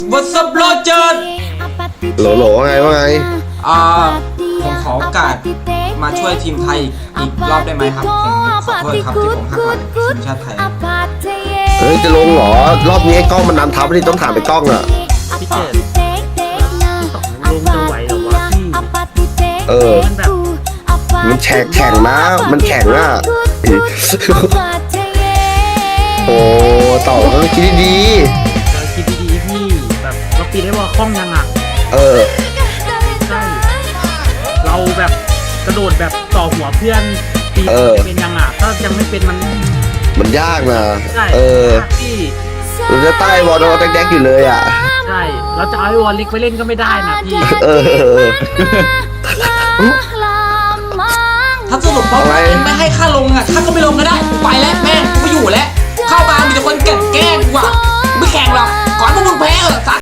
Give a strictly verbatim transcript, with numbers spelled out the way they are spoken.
What's up โรเจอร์โหลโหลว่าไงว่าไงอ่าผมขอโอกาสมาช่วยทีมไทยอีกรอบได้ไหมครับผมขอโทษครับที่ผมหักหลังทีมชาติไทยเฮ้ยจะลงเหรอรอบนี้กล้องมันนำทัพที่ต้องถามไปกล้องอ่ะพี่เจดลงจะไหวหรอวะพี่เออมันแบบมันแข่งแข่งนะมันแข่งอ่ะโอ้ต่อต้องคิดดีเราคิดดีๆพี่แบบเราปีได้ว่าคล่องยังอ่ะเออใช่เราแบบกระโดดแบบต่อหัวเพื่อนปีเป็นยังอ่ะถ้ายังไม่เป็นมันมันยากนะเออพี่เราจะใต้วอลโดแดกๆอยู่เลยอ่ะใช่เราจะเอาไอ้วอลเล็กไปเล่นก็ไม่ได้นะพี่เออถ้าสรุปว่าไม่ให้ข้าลงอ่ะข้าก็ไม่ลงก็ได้ไปแล้วแม่งกูไม่อยู่แล้วเข้ามามีแต่คนแกล้งกูอ่ะไม่แข่งหรอกก่อนพวกมึงแพ้เหรอ